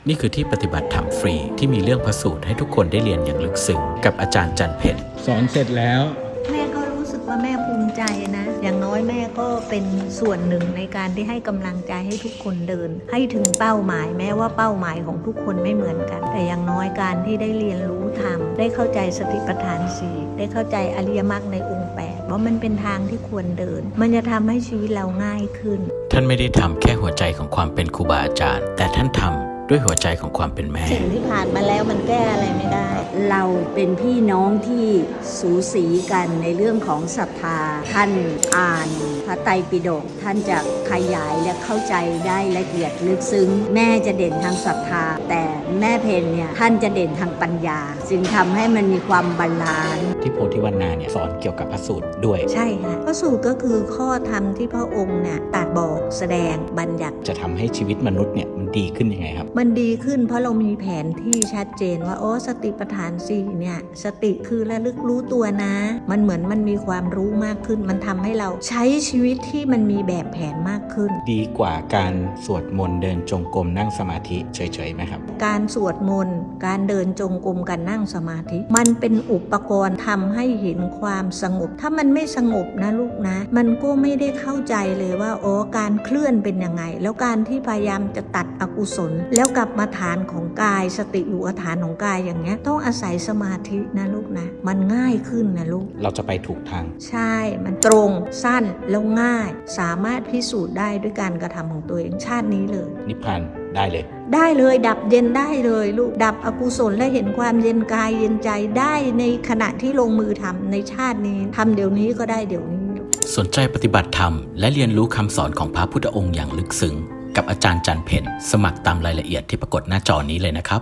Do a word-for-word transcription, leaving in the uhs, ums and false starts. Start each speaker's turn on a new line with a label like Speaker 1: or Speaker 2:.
Speaker 1: นี่คือที่ปฏิบัติธรรมฟรีที่มีเรื่องพระสูตรให้ทุกคนได้เรียนอย่างลึกซึ้งกับอาจารย์จันเพ็ญ
Speaker 2: สอนเสร็จแล้ว
Speaker 3: แม่ก็รู้สึกว่าแม่ภูมิใจนะอย่างน้อยแม่ก็เป็นส่วนหนึ่งในการที่ให้กำลังใจให้ทุกคนเดินให้ถึงเป้าหมายแม้ว่าเป้าหมายของทุกคนไม่เหมือนกันแต่อย่างน้อยการที่ได้เรียนรู้ธรรมได้เข้าใจสติปัฏฐานสี่ได้เข้าใจอริยมรรคในองค์แปดว่ามันเป็นทางที่ควรเดินมันจะทำให้ชีวิตเราง่ายขึ้น
Speaker 1: ท่านไม่ได้ทำแค่หัวใจของความเป็นครูบาอาจารย์แต่ท่านทำด้วยหัวใจของความเป็นแม่
Speaker 3: สิ่งที่ผ่านมาแล้วมันแก้อะไรไม่ได้
Speaker 4: เราเป็นพี่น้องที่สูสีกันในเรื่องของศรัทธาท่านอ่านพระไตรปิฎกท่านจะขยายและเข้าใจได้ละเอียดลึกซึ้งแม่จะเด่นทางศรัทธาแต่แม่เพนเนี่ยท่านจะเด่นทางปัญญาจึงทำให้มันมีความบาลานซ์
Speaker 1: ที่โพธิวรรณาเนี่ยสอนเกี่ยวกับพระสูตรด้วย
Speaker 3: ใช่ค่ะพระสูตรก็คือข้อธรรมที่พระองค์เนี่ยตรัสบอกแสดงบัญญัติ
Speaker 1: จะทำให้ชีวิตมนุษย์เนี่ยมันดีขึ้นยังไงครับ
Speaker 3: มันดีขึ้นเพราะเรามีแผนที่ชัดเจนว่าโอ้สติปัฏฐานสี่เนี่ยสติคือระลึกรู้ตัวนะมันเหมือนมันมีความรู้มากขึ้นมันทำให้เราใช้ชีวิตที่มันมีแบบแผนมากขึ้น
Speaker 1: ดีกว่าการสวดมนต์เดินจงกรมนั่งสมาธิเฉยๆไหมครับ
Speaker 3: การสวดมนต์การเดินจงกรมการนั่งสมาธิมันเป็นอุปกรณ์ทำให้เห็นความสงบถ้ามันไม่สงบนะลูกนะมันก็ไม่ได้เข้าใจเลยว่าอ๋อการเคลื่อนเป็นยังไงแล้วการที่พยายามจะตัดอกุศลแล้วกลับมาฐานของกายสติอยู่กับฐานของกายอย่างเงี้ยต้องอาศัยสมาธินะลูกนะมันง่ายขึ้นนะลูก
Speaker 1: เราจะไปถูกทาง
Speaker 3: ใช่มันตรงสั้นแล้วง่ายสามารถพิสูจน์ได้ด้วยการกระทำของตัวเองชาตินี้เลย
Speaker 1: นิพพานได้เลย
Speaker 3: ได้เลยดับเย็นได้เลยลูกดับอกุศลและเห็นความเย็นกายเย็นใจได้ในขณะที่ลงมือทำในชาตินี้ทำเดี๋ยวนี้ก็ได้เดี๋ยวนี้
Speaker 1: สนใจปฏิบัติธรรมและเรียนรู้คำสอนของพระพุทธองค์อย่างลึกซึ้งกับอาจารย์จันเพ็ญสมัครตามรายละเอียดที่ปรากฏหน้าจอนี้เลยนะครับ